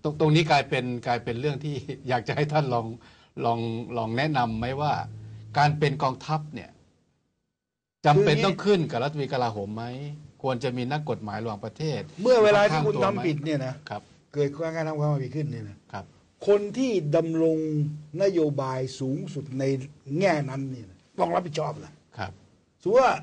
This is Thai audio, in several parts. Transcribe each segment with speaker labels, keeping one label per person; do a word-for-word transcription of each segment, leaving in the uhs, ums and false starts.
Speaker 1: ตรงตรงนี้กลายเป็นกลายเป็นเรื่องที่อยากจะให้ท่านลองลองลองแนะนำไหมว่า การเป็นกองทัพเนี่ยจำเป็นต้องขึ้นกับรัฐมนตรีกลาโหมไหมควรจะมีนักกฎหมายระหว่างประเทศ
Speaker 2: เมื่อเวลาที่คุณทำผิดเนี่ยนะครับเกิดการทำความผิดขึ้นเนี่ยนะครับคนที่ดำรงนโยบายสูงสุดในแง่นั้นเนี่ยต้องรับผิดชอบนะครับสมมติว่า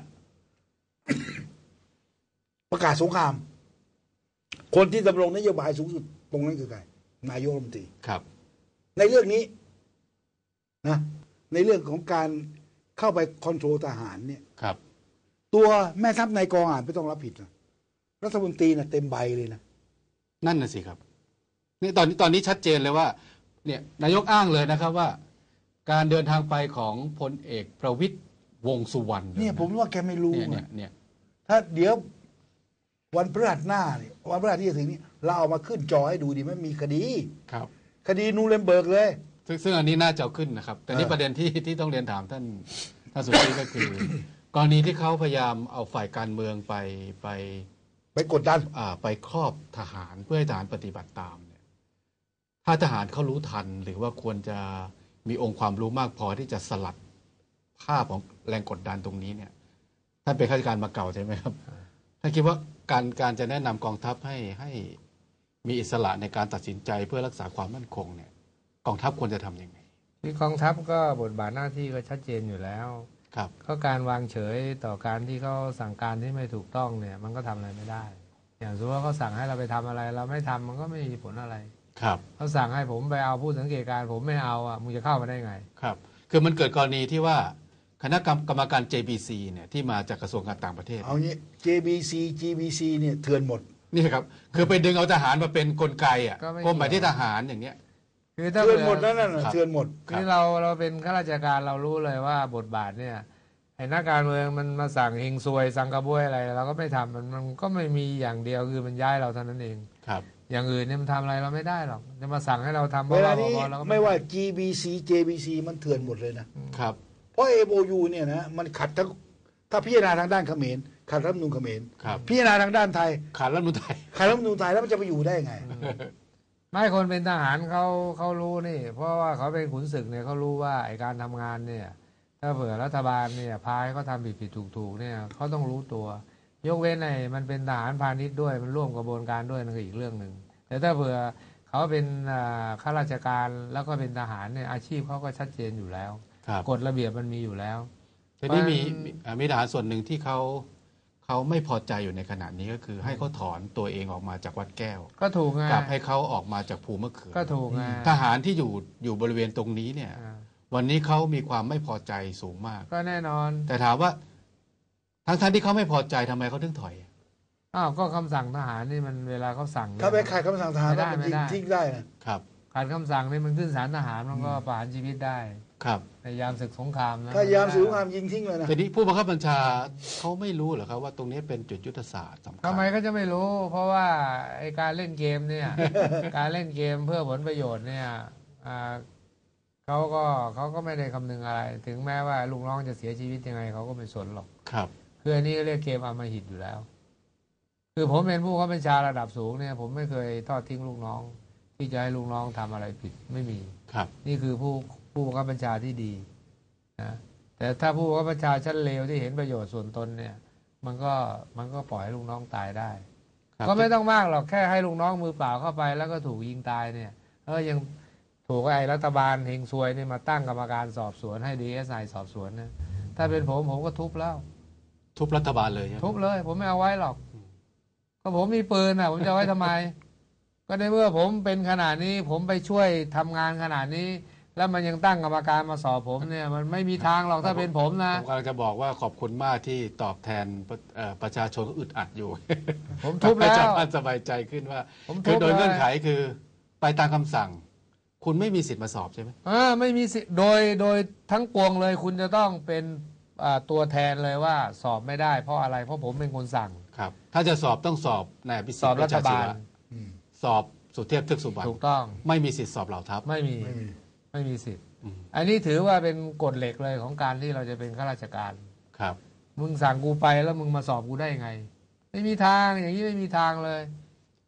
Speaker 2: ประกาศสงครามคนที่ดำรงนโยบายสูงสุดตรงนั้นคือใครนายกรัฐมนตรี
Speaker 1: ครับ
Speaker 2: ในเรื่องนี้นะในเรื่องของการเข้าไปคอนโทรลทหารเนี่ย
Speaker 1: ครับ
Speaker 2: ตัวแม่ทัพนายกองอาจไม่ต้องรับผิดนะรัฐมนตรีนะเต็มใบเลยนะ
Speaker 1: นั่นน่ะสิครับนี่ตอนนี้ตอนนี้ชัดเจนเลยว่าเนี่ยนายกอ้างเลยนะครับว่า การเดินทางไปของพลเอกประวิตรวงษ์สุวรรณ
Speaker 2: เนี่ยผมว่าแกไม่รู้
Speaker 1: เนี่ยเนี่ย
Speaker 2: ถ้าเดี๋ยววันพฤหัสหน้าเนี่ยวันพฤหัสที่จะถึงนี้เราเอามาขึ้นจอให้ดูดีไม่มีคดี
Speaker 1: ครับ
Speaker 2: คดีนูเรมเบิร์กเลย
Speaker 1: ซึ่งซึ่งอันนี้น่าจะเอาขึ้นนะครับแต่นี่ประเด็นที่ที่ต้องเรียนถามท่านท่านสุธีก็คือ กรณีที่เขาพยายามเอาฝ่ายการเมืองไปไป
Speaker 2: ไปกดดัน
Speaker 1: อ่าไปครอบทหารเพื่อให้ทหารปฏิบัติตามเนี่ยถ้าทหารเขารู้ทันหรือว่าควรจะมีองค์ความรู้มากพอที่จะสลัดภาพของแรงกดดันตรงนี้เนี่ยท่านเป็นข้าราชการมาเก่าใช่ไหมครับท่านคิดว่าการการจะแนะนำกองทัพให้ให้มีอิสระในการตัดสินใจเพื่อรักษาความมั่นคงเนี่ยกองทัพควรจะทำยังไง
Speaker 3: ที่กองทัพก็บทบาทหน้าที่ก็ชัดเจนอยู่แล้ว
Speaker 1: ครับ
Speaker 3: ก็การวางเฉยต่อการที่เขาสั่งการที่ไม่ถูกต้องเนี่ยมันก็ทำอะไรไม่ได้อย่างสมมติว่าเขาสั่งให้เราไปทำอะไรเราไม่ทำมันก็ไม่มีผลอะไร
Speaker 1: ครับ
Speaker 3: เขาสั่งให้ผมไปเอาผู้สังเกตการผมไม่เอาอ่ะมึงจะเข้ามาได้ไง
Speaker 1: ครับคือมันเกิดกรณีที่ว่าคณะกรรมการ เจ บี ซี เนี่ยที่มาจากกระทรวงการต่างประเทศ
Speaker 2: เอางี้ เจ บี ซี จี บี ซี เนี่ยเถื่อนหมด
Speaker 1: นี่ครับคือไปดึงเอาทหารมาเป็นกลไกอ่ะกรมหมายที่ทหารอย่างเนี้ย
Speaker 3: คือ
Speaker 2: เถื่อนหมดนั่นน่ะเถื่อนหมด
Speaker 3: คือเราเราเป็นข้าราชการเรารู้เลยว่าบทบาทเนี่ยไอ้นักการเมืองมันมาสั่งเฮงซวยสั่งกระบวยอะไรเราก็ไม่ทำมันมันก็ไม่มีอย่างเดียวคือมันย้ายเราเท่านั้นเอง
Speaker 1: ครับ
Speaker 3: อย่างอื่นเนี่ยมันทำอะไรเราไม่ได้หรอกจะมาสั่งให้เราทำ
Speaker 2: เวลานี้ไม่ว่า จี บี ซี เจ บี ซี มันเถื่อนหมดเลยนะครับเพราะ เอ โอ ยู เนี่ยนะมันขัดทั้งถ้าพิจารณาทางด้านเขมรขัดรัฐธรรมนูญเขมรพิจารณาทางด้านไทย
Speaker 1: ขัดรัฐธรรมนูญไทย
Speaker 2: ขัดรัฐธรรมนูญไทยแล้วมันจะไปอยู่ได้ไง
Speaker 3: ไม่คนเป็นทหารเขาเขารู้นี่เพราะว่าเขาเป็นขุนศึกเนี่ยเขารู้ว่าไอการทำงานเนี่ยถ้าเผื่อรัฐบาลเนี่ยพายเขาทำผิดผิดถูกถูกเนี่ยเขาต้องรู้ตัวยกเว้นไอ้มันเป็นทหารพาณิชย์ด้วยมันร่วมกระบวนการด้วยนั่นคืออีกเรื่องหนึ่งแต่ถ้าเผื่อเขาเป็นข้าราชการแล้วก็เป็นทหารเนี่ยอาชีพเขาก็ชัดเจนอยู่แล้วกฎระเบียบมันมีอยู่แล้ว
Speaker 1: ทีนี้มีมีทหารส่วนหนึ่งที่เขาเขาไม่พอใจอยู่ในขณะนี้ก็คือให้เขาถอนตัวเองออกมาจากวัดแก้ว
Speaker 3: ก็ถูกไง
Speaker 1: กับให้เขาออกมาจากภูมะเขือ
Speaker 3: ก็ถูกไง
Speaker 1: ทหารที่อยู่อยู่บริเวณตรงนี้เนี่ยวันนี้เขามีความไม่พอใจสูงมาก
Speaker 3: ก็แน่นอน
Speaker 1: แต่ถามว่าทั้งท่านที่เขาไม่พอใจทำไมเขาถึงถอย
Speaker 3: อ้าวก็คำสั่งทหารนี่มันเวลาเขาสั่ง
Speaker 2: ถ้าไปขัดคำสั่งทหารมันยิงทิ้งได้
Speaker 1: ครับ
Speaker 3: ขัดคำสั่งนี่มันขึ้นศาลทหารมันก็ประหารชีวิตได้
Speaker 1: ครับ
Speaker 3: ในยามศึกสงครามนะ
Speaker 2: ถ้ายามศึกสงครามยิงทิ้งเลยนะ
Speaker 1: ทีนี้ผู้บังคับบัญชาเขาไม่รู้เหรอครับว่าตรงนี้เป็นจุดยุทธศาสตร์สำคัญ
Speaker 3: ทำไมก็จะไม่รู้เพราะว่าไอการเล่นเกมเนี่ยการเล่นเกมเพื่อผลประโยชน์เนี่ยเขาก็เขาก็ไม่ได้คำนึงอะไรถึงแม้ว่าลูกน้องจะเสียชีวิตยังไงเขาก็ไม่สนหรอก
Speaker 1: ครับ
Speaker 3: คืออันนี้เรียกเกมอำมหิตอยู่แล้วคือผมเป็นผู้บังคับบัญชาระดับสูงเนี่ยผมไม่เคยทอดทิ้งลูกน้องที่จะให้ลูกน้องทำอะไรผิดไม่มี
Speaker 1: ครับ
Speaker 3: นี่คือผู้ผู้บังคับบัญชาที่ดีนะแต่ถ้าผู้บังคับบัญชาชั้นเลวที่เห็นประโยชน์ส่วนตนเนี่ยมันก็มันก็ปล่อยให้ลูกน้องตายได้ก็ไม่ต้องมากหรอกแค่ให้ลูกน้องมือเปล่าเข้าไปแล้วก็ถูกยิงตายเนี่ยเออยังถูกไอ้รัฐบาลเฮงซวยนี่มาตั้งกรรมการสอบสวนให้ ดี เอส ไอ สอบสวนนะถ้าเป็นผมผมก็ทุบแล้ว
Speaker 1: ทุบรัฐบาลเลย
Speaker 3: ทุบเลยผมไม่เอาไว้หรอกก็ผมมีปืนอ่ะผมจะไว้ทำไมก็ในเมื่อผมเป็นขนาดนี้ผมไปช่วยทำงานขนาดนี้แล้วมันยังตั้งกรรมการมาสอบผมเนี่ยมันไม่มีทางหรอกถ้าเป็นผมนะ
Speaker 1: ผมกำลังจะบอกว่าขอบคุณมากที่ตอบแทนประชาชนก็อึดอัดอยู่
Speaker 3: ผมทุบแล้ว
Speaker 1: จะมั่นสบายใจขึ้นว่าคือโดยเงื่อนไขคือไปตามคำสั่งคุณไม่มีสิทธิ์มาสอบใช่ไหม
Speaker 3: อ่าไม่มีสิทธิ์โดยโดยทั้งปวงเลยคุณจะต้องเป็นตัวแทนเลยว่าสอบไม่ได้เพราะอะไรเพราะผมเป็นคนสั่ง
Speaker 1: ครับถ้าจะสอบต้องสอบนายอภิสิทธิ์
Speaker 3: สอบรัฐบาล
Speaker 1: สอบสุเทพ เทือกสุบรรณ
Speaker 3: ถูกต้อง
Speaker 1: ไม่มีสิทธิ์สอบเหล่าทัพ
Speaker 3: ไม่มีไม่มีสิทธิ์อันนี้ถือว่าเป็นกฎเหล็กเลยของการที่เราจะเป็นข้าราชการ
Speaker 1: ครับ
Speaker 3: มึงสั่งกูไปแล้วมึงมาสอบกูได้ยังไงไม่มีทางอย่างนี้ไม่มีทางเลย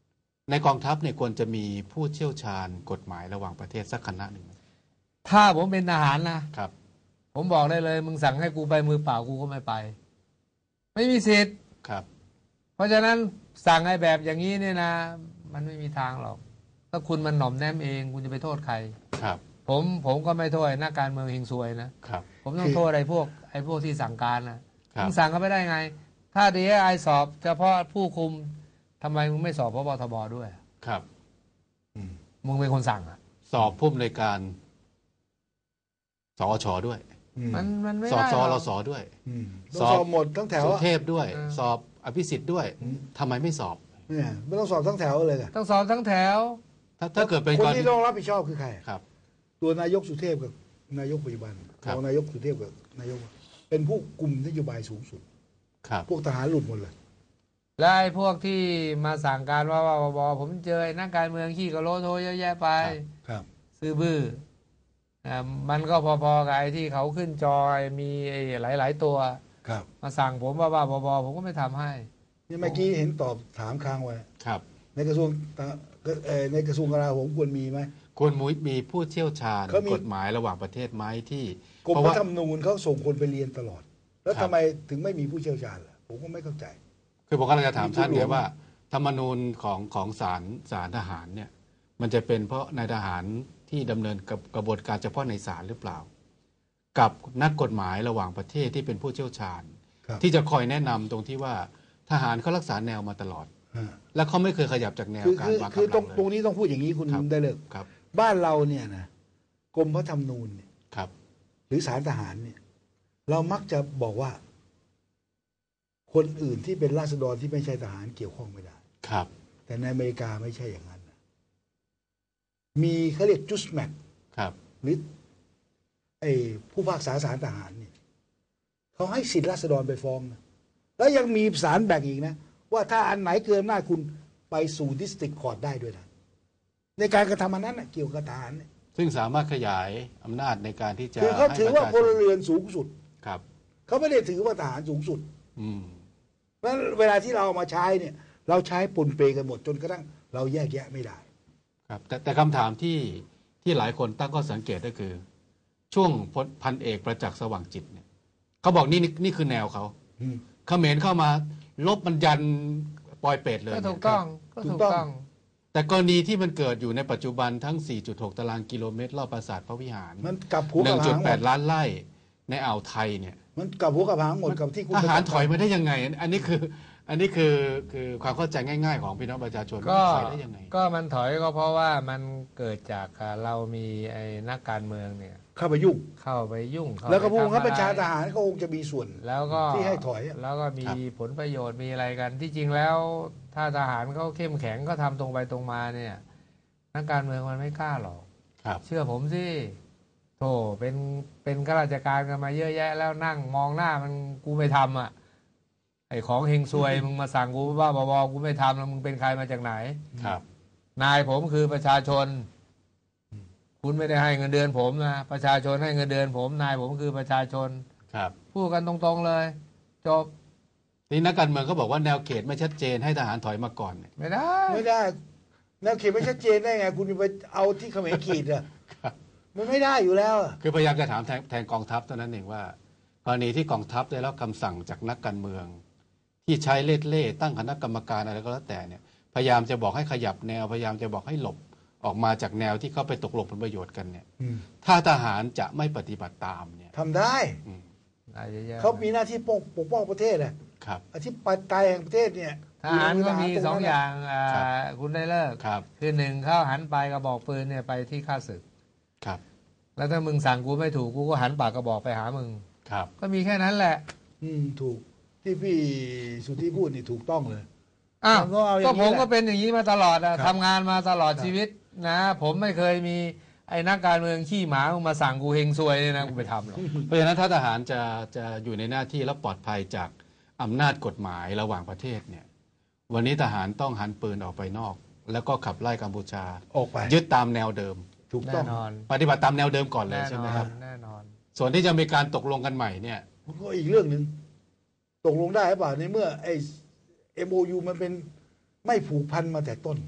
Speaker 1: ในกองทัพเนี่ยควรจะมีผู้เชี่ยวชาญกฎหมายระหว่างประเทศสักคณะหนึ่งไหม
Speaker 3: ถ้าผมเป็นทหารนะครับ ผมบอกได้เลย มึงสั่งให้กูไปมือเปล่ากูก็ไม่ไป ไม่มีสิทธิ์
Speaker 1: ครับ
Speaker 3: เพราะฉะนั้นสั่งไอ้แบบอย่างนี้เนี่ยนะ มันไม่มีทางหรอก ถ้าคุณมันหน่อมแนมเองคุณจะไปโทษใคร
Speaker 1: ครับ
Speaker 3: ผมผมก็ไม่โทษนักการเมืองเฮงซวยนะครับ ผมต้องโทษไอ้พวกไอ้พวกที่สั่งการนะมึงสั่งเขาไม่ได้ไง ถ้า ดี เอส ไอ สอบเฉพาะผู้คุมทำไมมึงไม่สอบพบทบด้วย
Speaker 1: ครับ
Speaker 3: มึงเป็นคนสั่งอ่ะ
Speaker 1: สอบผู้อำนวยการสอชด้วย
Speaker 3: มันมันไม่
Speaker 1: สอบ
Speaker 3: ได้
Speaker 1: ส
Speaker 3: หร
Speaker 2: ต้
Speaker 3: อก
Speaker 2: องสอบหมดทั้งแถว
Speaker 1: สุ
Speaker 2: อะ
Speaker 1: เทพด้วย สอบอภิสิทธิ์ด้วยทำไมไม่สอบ
Speaker 2: เนี่ยไม่ต้องสอบทั้งแถวเลยอะ
Speaker 3: ต้องสอบทั้งแถว
Speaker 1: ถ้าถ้าเกิดเป็น
Speaker 2: คน
Speaker 1: กรณี
Speaker 2: ที่ต้องรับผิดชอบคือใคร
Speaker 1: ครับ
Speaker 2: ตัวนายกสุเทพกับนายกปัจจุบัน
Speaker 1: ครับ
Speaker 2: รองนายกสุเทพกับนายก เป็นผู้กลุ่มนโยบายสูงสุด
Speaker 1: ครับ
Speaker 2: พวกทหารหลุดหมดเลย
Speaker 3: และไอ้พวกที่มาสั่งการว่าว่าบอผมเจอไอ้นักการเมืองขี้กระโลโทเยอะแยะไป
Speaker 2: ครับ
Speaker 3: ซื้อบื้ออ่ามันก็พอๆกับไอ้ที่เขาขึ้นจอมีไอ้หลาย ๆ ตัว
Speaker 2: ครับ
Speaker 3: มาสั่งผมว่าว่าบอผมก็ไม่ทำให้
Speaker 2: นี่เมื่อกี้เห็นตอบถามค้างไว้
Speaker 1: ครับ
Speaker 2: ในกระทรวงเอ่อในกระทรวงกลาโหมควรมีไหม
Speaker 1: ควรมุ้ยมีผู้เชี่ยวชาญ
Speaker 2: เขามี
Speaker 1: กฎหมายระหว่างประเทศไหมที่
Speaker 2: กรม
Speaker 1: เพราะ
Speaker 2: พ
Speaker 1: ว่า
Speaker 2: ระธรรมนูญเขาส่งคนไปเรียนตลอด แล้ว
Speaker 1: ครับ
Speaker 2: ทำไมถึงไม่มีผู้เชี่ยวชาญล่ะผมก็ไม่เข้าใจ
Speaker 1: คือผมกำลังจะถาม
Speaker 2: มี
Speaker 1: ท่าน
Speaker 2: ผู้หล
Speaker 1: เนี่
Speaker 2: วย ง
Speaker 1: ว่า ธรรมนูญของของศาลศาลทหารเนี่ย มันจะเป็นเพราะนายทหารที่ดำเนินกับกระบวนการเฉพาะในศาลหรือเปล่า กับนักกฎหมายระหว่างประเทศที่เป็นผู้เชี่ยวชาญ
Speaker 2: ครับ
Speaker 1: ที่จะคอยแนะนำตรงที่ว่าทหารเขารักษาแนวมาตลอด
Speaker 2: ฮะ
Speaker 1: และเขาไม่เคยขยับจากแนว
Speaker 2: คือ
Speaker 1: การ
Speaker 2: คือ
Speaker 1: วาง
Speaker 2: คือก
Speaker 1: ำ
Speaker 2: ต
Speaker 1: ลั
Speaker 2: รง
Speaker 1: ง
Speaker 2: ตรง
Speaker 1: เลย
Speaker 2: นี้ต้องพูดอย่างนี้คุณ
Speaker 1: ครับ
Speaker 2: ได้เลิก
Speaker 1: ครับ
Speaker 2: บ้านเราเนี่ยนะกรมพระธรรมนูญเนี่ย
Speaker 1: ครับ
Speaker 2: หรือศาลทหารเนี่ย เรามักจะบอกว่า คนอื่นที่เป็นราษฎรที่ไม่ใช่ทหารเกี่ยวข้องไม่ได้
Speaker 1: ครับ
Speaker 2: แต่ในอเมริกาไม่ใช่อย่างนั้นนะมีเขาเรียกจุสแมท
Speaker 1: ครับ
Speaker 2: หรือไอ้ผู้พิพากษาศาลทหารเนี่ยเขาให้สิทธิราษฎรไปฟ้องนะแล้วยังมีศาลแบ่งอีกนะ ว่าถ้าอันไหนเกินหน้าจคุณไปสู่ดิสตริกคอร์ดได้ด้วยนะในการกระทำอันนั้นนะเกี่ยวกับทหารเนี่ย
Speaker 1: ซึ่งสามารถขยายอำนาจในการที่จะ
Speaker 2: คือเขาถือว่า
Speaker 1: ให้
Speaker 2: พ
Speaker 1: ประช
Speaker 2: ล
Speaker 1: ชน
Speaker 2: เรือนสูงสุด
Speaker 1: ครับ
Speaker 2: เขาไม่ได้ถือว่าทหารสูงสุด
Speaker 1: อืม
Speaker 2: เพราะฉะนั้นเวลาที่เราเอามาใช้เนี่ย เราใช้ปนเปกันหมดจนกระทั่งเราแยกแยะไม่ได้
Speaker 1: ครับแต่แต่คำถามที่ที่หลายคนตั้งข้อสังเกตก็คือ ช่วงพลพันเอกประจักษ์สว่างจิตเนี่ยเขาบอกนี่นี่นี่คือแนวเขา
Speaker 2: อืม
Speaker 1: เขมรเข้ามาลบมันยันปลอยเป็ดเลย
Speaker 3: ก็ถูก
Speaker 1: เนี่ย
Speaker 3: ต้องก็
Speaker 2: ถู
Speaker 3: ถู
Speaker 2: ก
Speaker 3: ก
Speaker 2: ต้อง
Speaker 3: ต้อง
Speaker 1: แต่กรณีที่มันเกิดอยู่ในปัจจุบันทั้ง สี่จุดหก ตารางกิโลเมตรรอบปราสาทพระวิหาร
Speaker 2: มันกลับหัวกับหางหมด
Speaker 1: หนึ่งจุดแปด ล้านไร่ในอ่าวไทยเนี่ย
Speaker 2: มันกลับหัวกับหางหมดกับที่คุณ
Speaker 1: ทหาร
Speaker 2: ประกศ
Speaker 1: ถอยมาได้ยังไง อันนี้คืออันนี้คือคือความเข้าใจง่าย ๆ ของพี่น้องประชาชน
Speaker 3: ก็
Speaker 1: ถอยได้ยังไง
Speaker 3: ก็มันถอยก็เพราะว่ามันเกิดจากอ่าเรามีไอ้นักการเมืองเนี่ย
Speaker 2: เข้าไปยุ่ง
Speaker 3: เข้าไปยุ่งเข้า
Speaker 2: แล้วก็
Speaker 3: ไป
Speaker 2: ผู้บังคับ
Speaker 3: ทำ
Speaker 2: บัญชา
Speaker 3: อะไร
Speaker 2: ทหารก็คงจะมีส่วน
Speaker 3: แล้วก็
Speaker 2: ที่ให้ถอยอะ
Speaker 3: แล้วก็มี
Speaker 1: ครับ
Speaker 3: ผลประโยชน์มีอะไรกัน ที่จริงแล้ว ถ้าทหารเขาเข้มแข็งเขาทำตรงไปตรงมาเนี่ย นักการเมืองมันไม่กล้าหรอก
Speaker 1: ครับ
Speaker 3: เชื่อผมสิโธ่เป็นเป็นข้าราชการกันมาเยอะแยะ แล้วนั่งมองหน้ามันกูไม่ทำอ่ะไอ้ของเฮงซวย มึงมาสั่งกูว่าบอกูไม่ทำแล้วมึงเป็นใครมาจากไหน
Speaker 1: ครับ
Speaker 3: นายผมคือประชาชน คุณไม่ได้ให้เงินเดือนผมนะประชาชนให้เงินเดือนผม นายผมคือประชาชน
Speaker 1: ครับ
Speaker 3: พูดกันตรงๆเลย จบ
Speaker 1: นี่นักการเมืองเขาบอกว่าแนวเขตไม่ชัดเจนให้ทหารถอยมาก่อนเนี่ย
Speaker 3: ไม่ได้
Speaker 2: ไม่ได้แนวเขตไม่ชัดเจนได้ไง คุณจะไปเอาที่เขมรขีดอะ
Speaker 1: ครับ
Speaker 2: มันไม่ได้อยู่แล้วอะ
Speaker 1: คือพยายามจะถามแทนแทนกองทัพเท่านั้นเองว่ากรณีที่กองทัพได้รับคำสั่งจากนักการเมือง ที่ใช้เล่ห์เล่ห์ตั้งคณะกรรมการอะไรก็แล้วแต่เนี่ยพยายามจะบอกให้ขยับแนวพยายามจะบอกให้หลบออกมาจากแนวที่เขาไปตกลงผลประโยชน์กันเนี่ย
Speaker 2: อืม
Speaker 1: ถ้าทหารจะไม่ปฏิบัติตามเนี่ย
Speaker 2: ทำได้
Speaker 1: อืม
Speaker 3: ได้เยอะๆ
Speaker 2: เขามีหน้าที่ปกปกป้องประเทศอะ
Speaker 1: ครับ
Speaker 2: อธิปไตยแห่งประเทศเนี่ย
Speaker 3: ทหารก็มี
Speaker 2: ยู่ในมื
Speaker 3: สอง
Speaker 2: ทหร
Speaker 3: อย่างอ่า
Speaker 1: ครับ
Speaker 3: คุณได้เลิก
Speaker 1: ครับ
Speaker 3: คือหนึ่งเข้าหันปลายกระบอกปืนเนี่ยไปที่ข้าศึก
Speaker 1: ครับ
Speaker 3: แล้วถ้ามึงสั่งกูไม่ถูกกูก็หันปากกระบอกไปหามึง
Speaker 1: ครับ
Speaker 3: ก็มีแค่นั้นแหละ
Speaker 2: อืมถูกที่พี่สุทธิพูดนี่ถูกต้องเลย
Speaker 3: อ้าว
Speaker 2: มันก็เอาอย่างนี้
Speaker 3: ก็ผม
Speaker 2: แหละ
Speaker 3: ก็เป็นอย่างนี้มาตลอดอะ
Speaker 2: ครับ
Speaker 3: ทำงานมาตลอด
Speaker 2: ครับ
Speaker 3: ชีวิตนะ ผมไม่เคยมีไอ้นักการเมืองขี้หมามึงมาสั่งกูเฮงซวยเนี่ยนะกูไปทำหรอก
Speaker 1: เพราะฉะนั้นถ้าทหารจะจะอยู่ในหน้าที่และปลอดภัยจากอำนาจกฎหมายระหว่างประเทศเนี่ย วันนี้ทหารต้องหันปืนออกไปนอก แล้วก็ขับไล่กัมพูชา
Speaker 2: ออกไป
Speaker 1: ยึดตามแนวเดิม
Speaker 2: ถูกต้
Speaker 3: แน่
Speaker 2: อง
Speaker 3: นอน
Speaker 1: ปฏิบัติตามแนวเดิมก่อนเลย
Speaker 3: แน่
Speaker 1: ใช่
Speaker 3: น
Speaker 1: ไหม
Speaker 3: อ
Speaker 1: ครับ
Speaker 3: นแน่นอน
Speaker 1: ส่วนที่จะมีการตกลงกันใหม่เนี่ย
Speaker 2: ก็อีกเรื่องหนึ่งตกลงได้หรือเปล่าในเมื่อไอ้ เอ็ม โอ ยู มันเป็นไม่ผูกพันมาแต่ต้น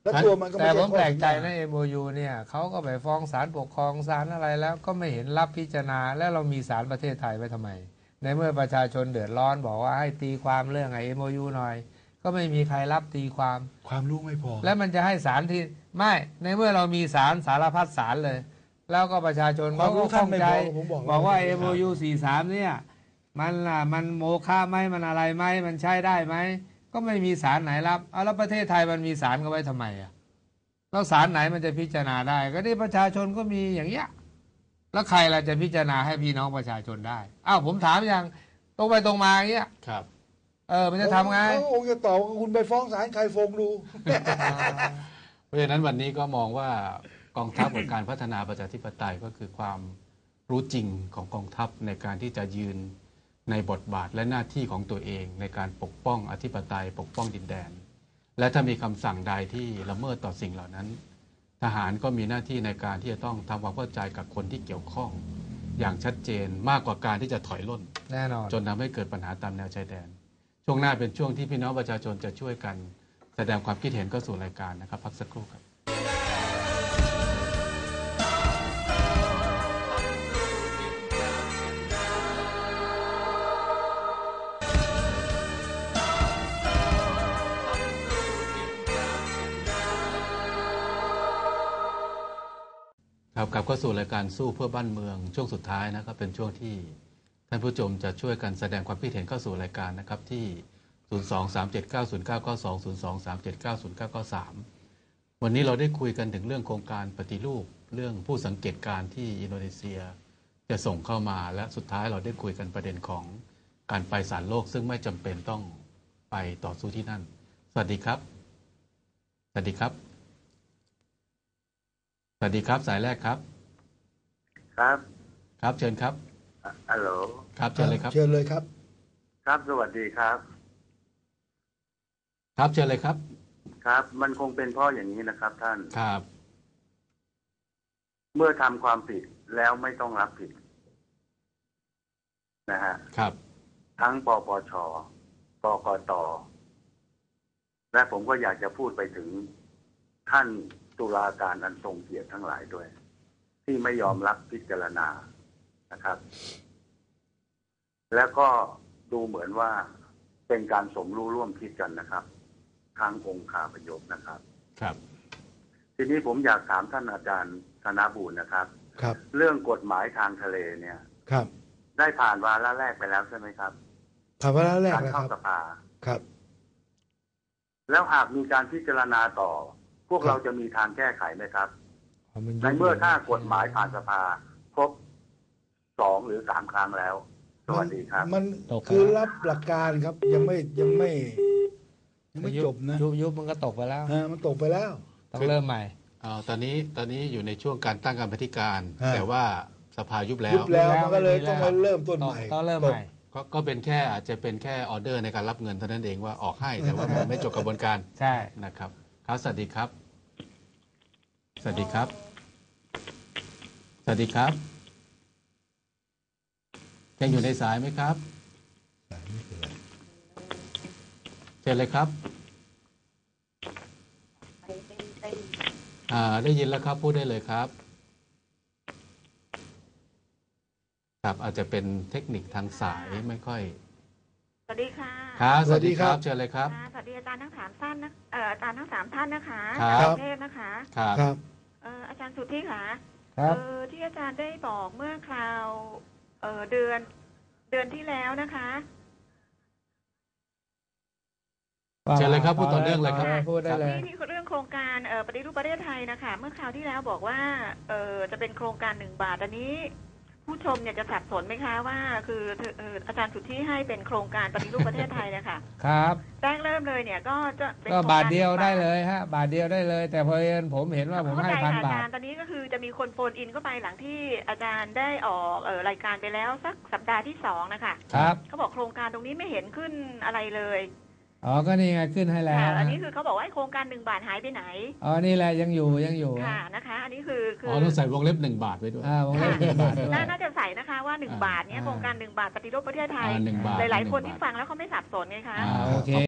Speaker 2: แล้วตัวมันก็
Speaker 3: แต่
Speaker 2: ไม่
Speaker 3: ผ
Speaker 2: ใช่
Speaker 3: ม
Speaker 2: ข้อ
Speaker 3: แปลกใจ
Speaker 2: สัญญา
Speaker 3: นะ เอ็ม โอ ยู เนี่ยเขาก็ไปฟ้องศาลปกครองศาลอะไรแล้วก็ไม่เห็นรับพิจารณาแล้วเรามีศาลประเทศไทยไว้ทำไม ในเมื่อประชาชนเดือดร้อนบอกว่าให้ตีความเรื่องไอ้ เอ็ม โอ ยู หน่อย ก็ไม่มีใครรับตีความ
Speaker 2: ความรู้ไม่พอ
Speaker 3: แล้วมันจะให้ศาลที่ไม่ในเมื่อเรามีศาลสารพัดศาลเลย แล้วก็ประชาชน
Speaker 2: ความรู้
Speaker 3: ก็
Speaker 2: ท่าน
Speaker 3: ข้อง
Speaker 2: ไม่
Speaker 3: ใจ
Speaker 2: พอผมบอก
Speaker 3: บอกว่า
Speaker 2: แล้ว
Speaker 3: เอ็ม โอ ยู สี่สิบสามเนี่ยมันล่ะมันโมฆะไหมมันอะไรไหมมันใช้ได้ไหมก็ไม่มีศาลไหนรับเอาแล้วประเทศไทยมันมีศาลก็ไว้ทำไมอ่ะแล้วศาลไหนมันจะพิจารณาได้ ก็นี่ประชาชนก็มีอย่างเงี้ยแล้วใครล่ะจะพิจารณาให้พี่น้องประชาชนได้อ้าวผมถามอย่างตรงไปตรงมาอย่างเงี้ย
Speaker 1: ครับ
Speaker 3: เออมันจะทำไง
Speaker 2: เขาคงจะตอบว่าคุณไปฟ้องศาลใครฟ้องดู
Speaker 1: เพราะฉะนั้นวันนี้ก็มองว่ากองทัพกับการพัฒนาประชาธิปไตยก็คือความรู้จริงของกองทัพในการที่จะยืนในบทบาทและหน้าที่ของตัวเองในการปกป้องอธิปไตยปกป้องดินแดน และถ้ามีคำสั่งใดที่ละเมิดต่อสิ่งเหล่านั้น ทหารก็มีหน้าที่ในการที่จะต้องทำความเข้าใจกับคนที่เกี่ยวข้องอย่างชัดเจนมากกว่าการที่จะถอยร่น
Speaker 3: แน่นอน
Speaker 1: จนทำให้เกิดปัญหาตามแนวชายแดน ช่วงหน้าเป็นช่วงที่พี่น้องประชาชนจะช่วยกันแสดงความคิดเห็นก็สู่รายการนะครับพักสักครู่ครับครับกลับเข้าสู่รายการสู้เพื่อบ้านเมืองช่วงสุดท้ายนะครับเป็นช่วงที่ท่านผู้ชมจะช่วยกันแสดงความคิดเห็นเข้าสู่รายการนะครับที่ ศูนย์ สอง สาม เจ็ด เก้า ศูนย์ เก้า เก้า สอง ศูนย์ สอง สาม เจ็ด เก้า ศูนย์ เก้า เก้า สาม วันนี้เราได้คุยกันถึงเรื่องโครงการปฏิรูปเรื่องผู้สังเกตการณ์ที่อินโดนีเซียจะส่งเข้ามาและสุดท้ายเราได้คุยกันประเด็นของการไปศาลโลกซึ่งไม่จำเป็นต้องไปต่อสู้ที่นั่นสวัสดีครับสวัสดีครับสวัสดีครับสายแรกครับ
Speaker 4: ครับ
Speaker 1: ครับเชิญครับ
Speaker 4: ฮัลโหล
Speaker 1: ครับเชิญเลยครับ
Speaker 2: เชิญเลยครับ
Speaker 4: ครับสวัสดีครับ
Speaker 1: ครับเชิญเลยครับ
Speaker 4: ครับมันคงเป็นเพราะอย่างนี้นะครับท่าน
Speaker 1: ครับ
Speaker 4: เมื่อทำความผิดแล้วไม่ต้องรับผิดนะฮะ
Speaker 1: ครับ
Speaker 4: ทั้งปปชกกตและผมก็อยากจะพูดไปถึงท่านตุลาการอันทรงเกียรติทั้งหลายด้วย ที่ไม่ยอมรับพิจารณานะครับ แล้วก็ดูเหมือนว่าเป็นการสมรู้ร่วมคิดกันนะครับทางองค์คาพยพนะครับ
Speaker 1: ครับ
Speaker 4: ทีนี้ผมอยากถามท่านอาจารย์ธนบูรณ์นะครับ
Speaker 2: ครับ
Speaker 4: เรื่องกฎหมายทางทะเลเนี่ย
Speaker 2: ครับ
Speaker 4: ได้ผ่านวาระแรกไปแล้วใช่ไหมครับ
Speaker 2: ผ่านวาระแรก
Speaker 4: การเข้าสภา
Speaker 2: ครับ
Speaker 4: แล้วหากมีการพิจารณาต่อพวกเราจะมีทางแก้ไขไหมครับในเมื่อถ้ากฎหมายผ่านสภาครบสองหรือสามครั้งแล้วสวัสดีครับ
Speaker 2: มันคือรับหลักการครับยังไม่ยังไม่ยังไม่จบนะ
Speaker 3: ยุบยุบมันก็ตกไปแล้ว
Speaker 2: อ่ามันตกไปแล้ว
Speaker 3: ต้องเริ่มใหม่
Speaker 1: อ่าตอนนี้ตอนนี้อยู่ในช่วงการตั้งกรรมาธิการแต่ว่าสภายุบแล้ว
Speaker 2: ยุบแล้วมันก็เลยต้องมาเริ่มต้นใหม่
Speaker 3: ต้องเริ่มใหม่
Speaker 1: ก็ก็เป็นแค่อาจจะเป็นแค่ออเดอร์ในการรับเงินเท่านั้นเองว่าออกให้แต่ว่ามันไม่จบกระบวนการ
Speaker 3: ใช่
Speaker 1: นะครับครับสวัสดีครับสวัสดีครับสวัสดีครับยังอยู่ในสายไหมครับเชิญเลยครับอ่าได้ยินแล้วครับพูดได้เลยครับครับอาจจะเป็นเทคนิคทางสายไม่ค่อย
Speaker 5: สวัสดีค่ะ
Speaker 1: ครับสวัสดีครับเชิญเลยครับ
Speaker 5: สวัสดีอาจารย์ทั้งสามท่านนะเอ่ออาจารย์ทั้งสามท่านนะคะ
Speaker 1: จาก
Speaker 5: กรุงเทพนะคะ
Speaker 1: ครับ
Speaker 2: ครับ
Speaker 5: เอ่ออาจารย์สุทธิค่ะ
Speaker 3: เอ่
Speaker 5: อที่อาจารย์ได้บอกเมื่อคราวเอ่อเดือนเดือนที่แล้วนะคะ
Speaker 1: เชิญเลยครับพูดต่อเนื่องเลยครับ
Speaker 3: พูดได้เลย
Speaker 5: ที่เรื่องโครงการเอ่อปฏิรูปประเทศไทยนะคะเมื่อคราวที่แล้วบอกว่าเอ่อจะเป็นโครงการหนึ่งบาทอันนี้ผู้ชมเนี่ยจะสับสนไหมคะว่าคืออาจารย์สุทธิให้เป็นโครงการปฏิรูปประเทศไทยนะคะ
Speaker 3: ครับ
Speaker 5: แรกเริ่มเลยเนี่ยก็จะเป็น
Speaker 3: ก็บาทเดียวได้เลยฮะบาทเดียวได้เลยแต่พอเอิญผมเห็นว่าผมให้พันบาท
Speaker 5: ตอนนี้ก็คือจะมีคนโฟนอินเข้าไปหลังที่อาจารย์ได้ออกเอ่อรายการไปแล้วสักสัปดาห์ที่สองนะคะ
Speaker 3: ครับ
Speaker 5: เขาบอกโครงการตรงนี้ไม่เห็นขึ้นอะไรเลย
Speaker 3: อ๋อก็นี่ไงขึ้นให้แล้ว
Speaker 5: อันนี้คือเขาบอกว่าโครงการหนึ่งบาทหายไปไหน
Speaker 3: อ๋อนี่แหละยังอยู่ยังอยู่
Speaker 5: ค่ะนะคะอันนี้คือ
Speaker 1: อ๋อต้องใส่วงเล็บหนึ่งบาทไว้ด้วย
Speaker 3: อ่าวงเล็บหนึ่งบาท
Speaker 5: น่าจะใส่นะคะว่าหนึ่งบาทเนี่ยโครงการหนึ่งบาทปฏิรูปประเทศไทยหลายๆคนที่ฟังแล้วเขาไม่สับสนไงคะ
Speaker 3: โอเค